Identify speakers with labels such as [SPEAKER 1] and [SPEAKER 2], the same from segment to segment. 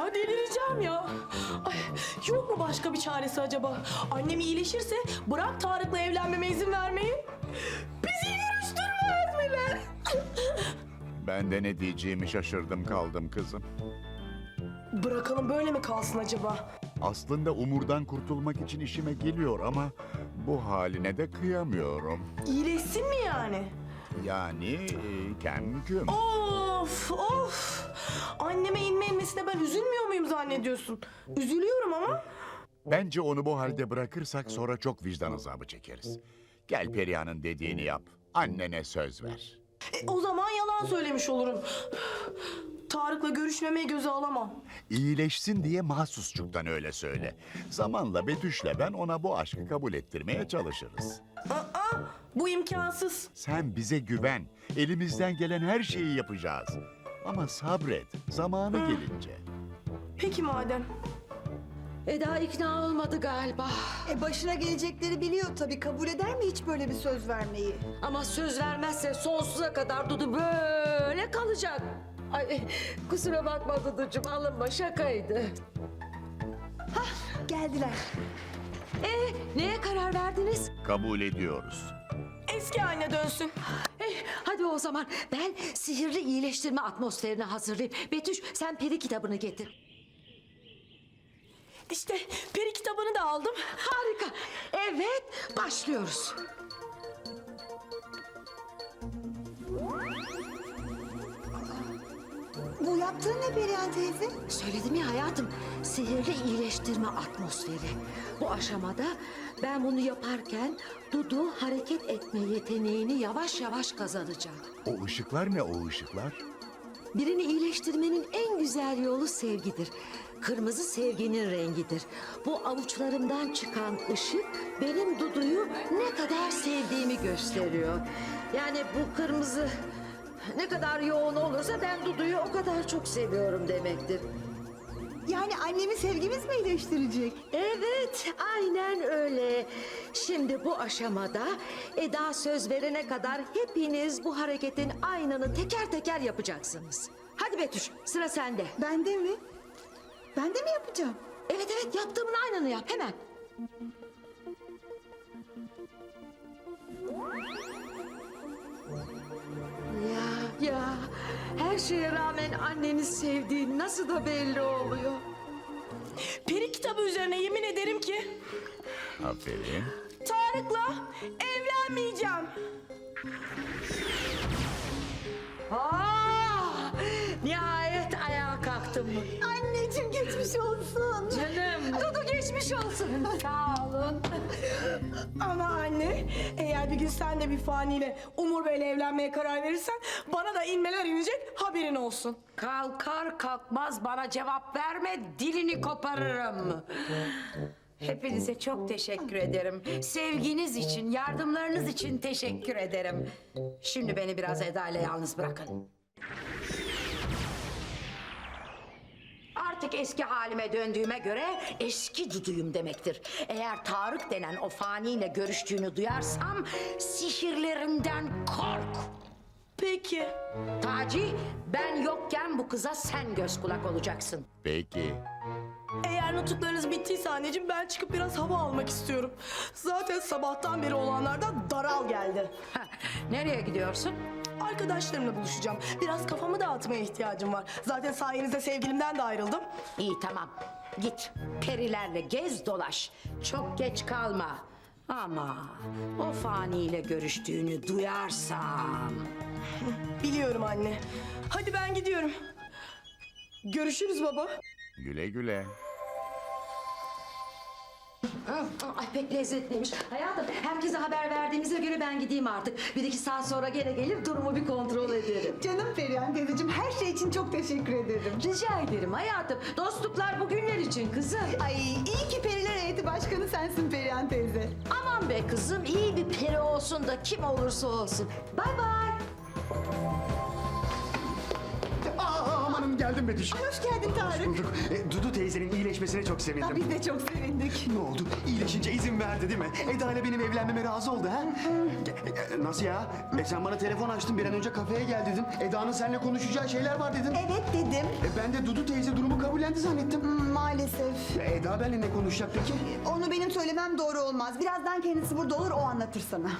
[SPEAKER 1] delireceğim ya. Ay, yok mu başka bir çaresi acaba? Annem iyileşirse bırak Tarık'la evlenmeme izin vermeyi. Bizi görüştürmez bile.
[SPEAKER 2] Ben de ne diyeceğimi şaşırdım kaldım kızım.
[SPEAKER 1] Bırakalım böyle mi kalsın acaba?
[SPEAKER 2] Aslında Umur'dan kurtulmak için işime geliyor ama bu haline de kıyamıyorum.
[SPEAKER 1] İyileşsin mi yani?
[SPEAKER 2] Yani kemküm.
[SPEAKER 1] Of of. Anneme inmesine ben üzülmüyor muyum zannediyorsun? Üzülüyorum ama.
[SPEAKER 2] Bence onu bu halde bırakırsak sonra çok vicdan azabı çekeriz. Gel Perihan'ın dediğini yap. Annene söz ver.
[SPEAKER 1] O zaman yalan söylemiş olurum. Tarık'la görüşmemeye göze alamam.
[SPEAKER 2] İyileşsin diye mahsusçuktan öyle söyle. Zamanla Betüş'le ben ona bu aşkı kabul ettirmeye çalışırız.
[SPEAKER 1] Aa, bu imkansız.
[SPEAKER 2] Sen bize güven. Elimizden gelen her şeyi yapacağız. Ama sabret. Zamanı gelince.
[SPEAKER 1] Peki madem.
[SPEAKER 3] Eda ikna olmadı galiba.
[SPEAKER 4] Başına gelecekleri biliyor tabii. Kabul eder mi hiç böyle bir söz vermeyi?
[SPEAKER 3] Ama söz vermezse sonsuza kadar Dudu böyle kalacak. Ay kusura bakma Duducuğum, alınma, şakaydı.
[SPEAKER 4] Geldiler.
[SPEAKER 3] Neye karar verdiniz?
[SPEAKER 2] Kabul ediyoruz.
[SPEAKER 1] Eski haline dönsün.
[SPEAKER 3] Hadi o zaman ben sihirli iyileştirme atmosferini hazırlayayım. Betüş sen peri kitabını getir.
[SPEAKER 1] İşte peri kitabını da aldım.
[SPEAKER 3] Harika. Evet, başlıyoruz.
[SPEAKER 4] Bu yaptığın ne Perihan teyze?
[SPEAKER 3] Söyledim ya hayatım, sihirli iyileştirme atmosferi. Bu aşamada ben bunu yaparken Dudu hareket etme yeteneğini yavaş yavaş kazanacak.
[SPEAKER 2] O ışıklar ne o ışıklar?
[SPEAKER 3] Birini iyileştirmenin en güzel yolu sevgidir. Kırmızı sevginin rengidir. Bu avuçlarımdan çıkan ışık benim Dudu'yu ne kadar sevdiğimi gösteriyor. Yani bu kırmızı ne kadar yoğun olursa ben Dudu'yu o kadar çok seviyorum demektir.
[SPEAKER 4] Yani annemi sevgimiz mi iyileştirecek?
[SPEAKER 3] Evet, aynen öyle. Şimdi bu aşamada Eda söz verene kadar hepiniz bu hareketin aynını teker teker yapacaksınız. Hadi Betüş, sıra sende.
[SPEAKER 4] Bende mi? Ben de mi yapacağım?
[SPEAKER 3] Evet evet, yaptığımın aynını yap hemen. Ya her şeye rağmen anneni sevdiğin nasıl da belli oluyor.
[SPEAKER 1] Peri kitabı üzerine yemin ederim ki
[SPEAKER 2] Aferin.
[SPEAKER 1] Tarık'la evlenmeyeceğim.
[SPEAKER 3] Nihayet ayağa kalktım.
[SPEAKER 4] Anneciğim geçmiş olsun.
[SPEAKER 3] Canım. Dudu geçmiş olsun. Sağ olun.
[SPEAKER 1] Ama anne, eğer bir gün sen de bir faniyle Umur Bey'le evlenmeye karar verirsen bana da inmeler inecek, haberin olsun.
[SPEAKER 5] Kalkar kalkmaz bana cevap verme, dilini koparırım. Hepinize çok teşekkür ederim. Sevginiz için, yardımlarınız için teşekkür ederim. Şimdi beni biraz Eda ile yalnız bırakın. Artık eski halime döndüğüme göre eski Dudu'yum demektir. Eğer Tarık denen o faniyle görüştüğünü duyarsam sihirlerimden kork.
[SPEAKER 1] Peki.
[SPEAKER 5] Taci, ben yokken bu kıza sen göz kulak olacaksın.
[SPEAKER 2] Peki.
[SPEAKER 1] Eğer nutuklarınız bittiyse anneciğim ben çıkıp biraz hava almak istiyorum. Zaten sabahtan beri olanlardan daral geldi.
[SPEAKER 5] Heh, nereye gidiyorsun?
[SPEAKER 1] Arkadaşlarımla buluşacağım. Biraz kafamı dağıtmaya ihtiyacım var. Zaten sayenizde sevgilimden de ayrıldım.
[SPEAKER 5] İyi tamam. Git perilerle gez dolaş. Çok geç kalma. Ama o faniyle görüştüğünü duyarsam...
[SPEAKER 1] Biliyorum anne. Hadi ben gidiyorum. Görüşürüz baba.
[SPEAKER 2] Güle güle.
[SPEAKER 3] Ay pek lezzetliymiş. Hayatım herkese haber verdiğimize göre ben gideyim artık. Bir iki saat sonra gene gelip durumu bir kontrol ederim.
[SPEAKER 4] Canım Perihan teyzeciğim her şey için çok teşekkür ederim.
[SPEAKER 3] Rica ederim hayatım. Dostluklar bugünler için kızım.
[SPEAKER 4] Ay iyi ki Periler Heyeti Başkanı sensin Perihan teyze.
[SPEAKER 3] Aman be kızım, iyi bir peri olsun da kim olursa olsun. Bay bay.
[SPEAKER 6] Amanım geldim Betüş.
[SPEAKER 4] Hoş geldin Tarık.
[SPEAKER 6] Bulduk. Dudu teyzenin iyileşmesine çok sevindim.
[SPEAKER 4] Biz de çok sevindik.
[SPEAKER 6] Ne oldu? İyileşince izin verdi değil mi? Eda ile benim evlenmeme razı oldu ha? Nasıl ya? Sen bana telefon açtın, bir an önce kafeye gel dedin. Eda'nın seninle konuşacağı şeyler var dedin.
[SPEAKER 4] Evet dedim.
[SPEAKER 6] Ben de Dudu teyze durumu kabul kabullendi zannettim.
[SPEAKER 4] Maalesef.
[SPEAKER 6] Eda benimle ne konuşacak peki?
[SPEAKER 4] Onu benim söylemem doğru olmaz. Birazdan kendisi burada olur, o anlatır sana.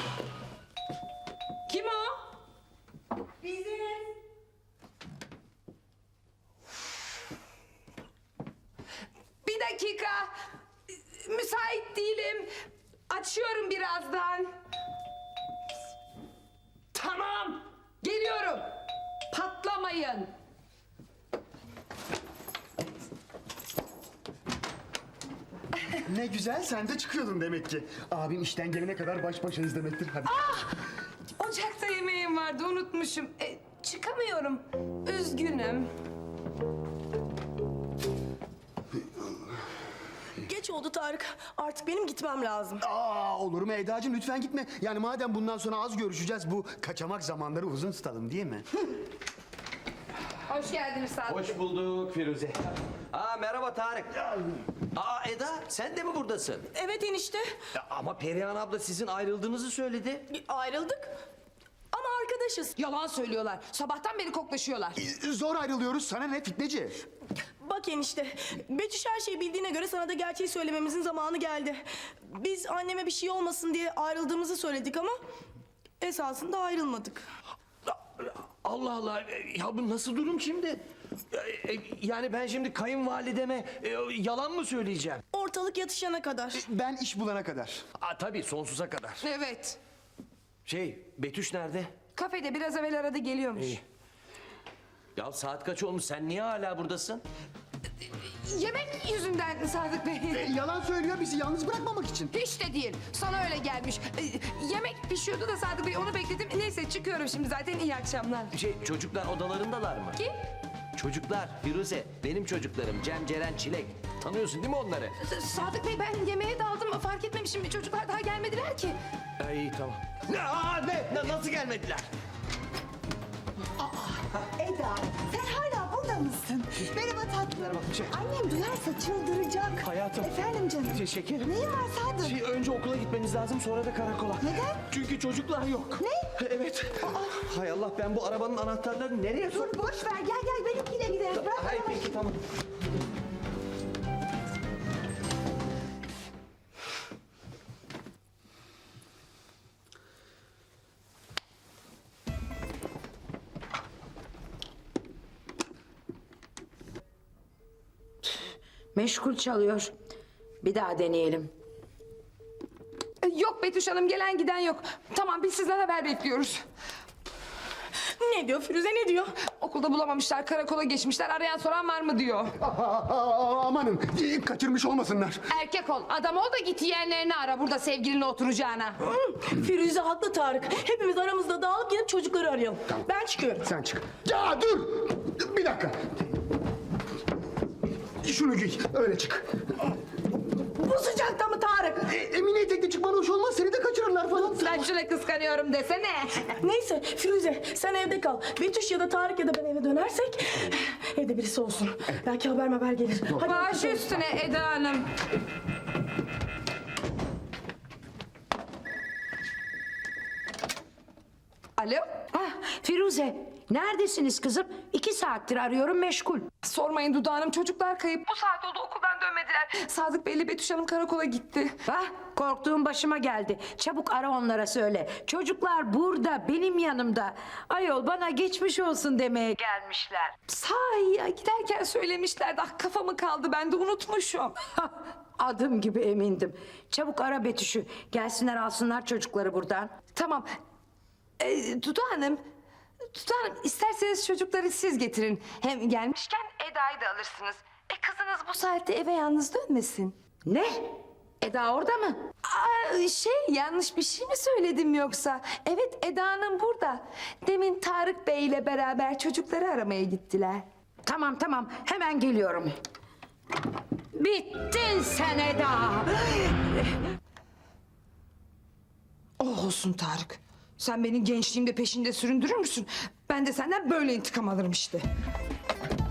[SPEAKER 5] Kim o? Bir dakika. Müsait değilim. Açıyorum birazdan. Tamam. Geliyorum. Patlamayın.
[SPEAKER 6] Ne güzel, sen de çıkıyordun demek ki. Abim işten gelene kadar baş başayız demektir. Hadi.
[SPEAKER 5] Ocakta yemeğim vardı, unutmuşum. Çıkamıyorum. Üzgünüm.
[SPEAKER 1] Geç oldu Tarık. Artık benim gitmem lazım.
[SPEAKER 6] Olur mu Eda'cığım, lütfen gitme. Yani madem bundan sonra az görüşeceğiz, bu kaçamak zamanları uzun tutalım değil mi?
[SPEAKER 5] Hoş geldiniz Sadık.
[SPEAKER 7] Hoş bulduk Firuze. Merhaba Tarık. Eda sen de mi buradasın?
[SPEAKER 1] Evet enişte.
[SPEAKER 7] Ama Perihan abla sizin ayrıldığınızı söyledi.
[SPEAKER 1] Ayrıldık. Ama arkadaşız.
[SPEAKER 5] Yalan söylüyorlar. Sabahtan beri koklaşıyorlar.
[SPEAKER 6] Zor ayrılıyoruz, sana ne fitneci?
[SPEAKER 1] Bak enişte, Betüş her şeyi bildiğine göre sana da gerçeği söylememizin zamanı geldi. Biz anneme bir şey olmasın diye ayrıldığımızı söyledik ama esasında ayrılmadık.
[SPEAKER 7] Allah Allah, ya bu nasıl durum şimdi? Yani ben şimdi kayınvalideme yalan mı söyleyeceğim?
[SPEAKER 1] Ortalık yatışana kadar.
[SPEAKER 6] Ben iş bulana kadar.
[SPEAKER 7] Tabii sonsuza kadar.
[SPEAKER 5] Evet.
[SPEAKER 7] Betüş nerede?
[SPEAKER 5] Kafede biraz evvel aradı, geliyormuş.
[SPEAKER 7] Ya saat kaç olmuş, sen niye hala buradasın?
[SPEAKER 5] Yemek yüzünden Sadık Bey.
[SPEAKER 6] Yalan söylüyor, bizi yalnız bırakmamak için.
[SPEAKER 5] Hiç de değil. Sana öyle gelmiş. Yemek pişiyordu da Sadık Bey, onu bekledim. Neyse çıkıyorum şimdi zaten, iyi akşamlar.
[SPEAKER 7] Çocuklar odalarındalar mı?
[SPEAKER 5] Kim?
[SPEAKER 7] Çocuklar, Firuze, benim çocuklarım. Cem, Ceren, Çilek. Tanıyorsun değil mi onları?
[SPEAKER 5] Sadık Bey, ben yemeğe daldım, fark etmemişim. Çocuklar daha gelmediler ki.
[SPEAKER 7] İyi tamam. Nasıl gelmediler?
[SPEAKER 4] Eda, sen hala burada mısın? Merhaba tatlım. Annem duyarsa çıldıracak.
[SPEAKER 7] Hayatım.
[SPEAKER 4] Efendim canım.
[SPEAKER 7] Şekerim.
[SPEAKER 4] Neyin var Sadık?
[SPEAKER 7] Önce okula gitmeniz lazım, sonra da karakola.
[SPEAKER 4] Neden?
[SPEAKER 7] Çünkü çocuklar yok.
[SPEAKER 4] Ne?
[SPEAKER 7] Evet. Hay Allah, ben bu arabanın anahtarlarını nereye
[SPEAKER 4] Dur boş ver, gel benimkiyle gidelim. Bırak
[SPEAKER 7] Hayır
[SPEAKER 4] bana.
[SPEAKER 7] peki tamam.
[SPEAKER 5] Meşgul çalıyor. Bir daha deneyelim. Yok Betüş Hanım, gelen giden yok. Tamam, biz sizden haber bekliyoruz.
[SPEAKER 1] Ne diyor Firuze, ne diyor?
[SPEAKER 5] Okulda bulamamışlar, karakola geçmişler. Arayan soran var mı diyor.
[SPEAKER 6] Amanın, kaçırmış olmasınlar.
[SPEAKER 5] Erkek ol, adam ol da git yeğenlerini ara burada sevgilinle oturacağına.
[SPEAKER 1] Firuze haklı Tarık. Hepimiz aramızda dağılıp gidip çocukları arayalım. Ben çıkıyorum.
[SPEAKER 6] Sen çık. Ya dur! Bir dakika. Şunu giy, öyle çık.
[SPEAKER 1] Bu sıcakta mı Tarık?
[SPEAKER 6] Emine etekle çıkman hoş olmaz, seni de kaçırırlar falan.
[SPEAKER 5] Ben şuna kıskanıyorum desene.
[SPEAKER 1] Neyse Firuze, sen evde kal. Betüş ya da Tarık ya da ben eve dönersek evde birisi olsun. Belki haber gelir. Hadi
[SPEAKER 5] Baş üstüne Eda Hanım. Alo?
[SPEAKER 3] Firuze, neredesiniz kızım? 2 saattir arıyorum, meşgul.
[SPEAKER 5] Sormayın Dudu Hanım, çocuklar kayıp. Bu saat oldu, okuldan dönmediler. Sadık Bey'le Betüş Hanım karakola gitti.
[SPEAKER 3] Korktuğum başıma geldi. Çabuk ara onlara söyle. Çocuklar burada, benim yanımda. Ayol, bana geçmiş olsun demeye gelmişler.
[SPEAKER 5] Sahi ya, giderken söylemişlerdi. Kafamı kaldı, ben de unutmuşum.
[SPEAKER 3] Adım gibi emindim. Çabuk ara Betüş'ü. Gelsinler alsınlar çocukları buradan.
[SPEAKER 5] Tamam. Dudu Hanım, isterseniz çocukları siz getirin. Hem gelmişken Eda'yı da alırsınız. Kızınız bu saatte eve yalnız dönmesin.
[SPEAKER 3] Ne? Eda orada mı?
[SPEAKER 5] Yanlış bir şey mi söyledim yoksa? Evet, Eda Hanım burada. Demin Tarık Bey ile beraber çocukları aramaya gittiler.
[SPEAKER 3] Tamam, hemen geliyorum. Bittin sen Eda.
[SPEAKER 5] Oh olsun Tarık. Sen beni gençliğimde peşinde süründürür müsün? Ben de senden böyle intikam alırım işte.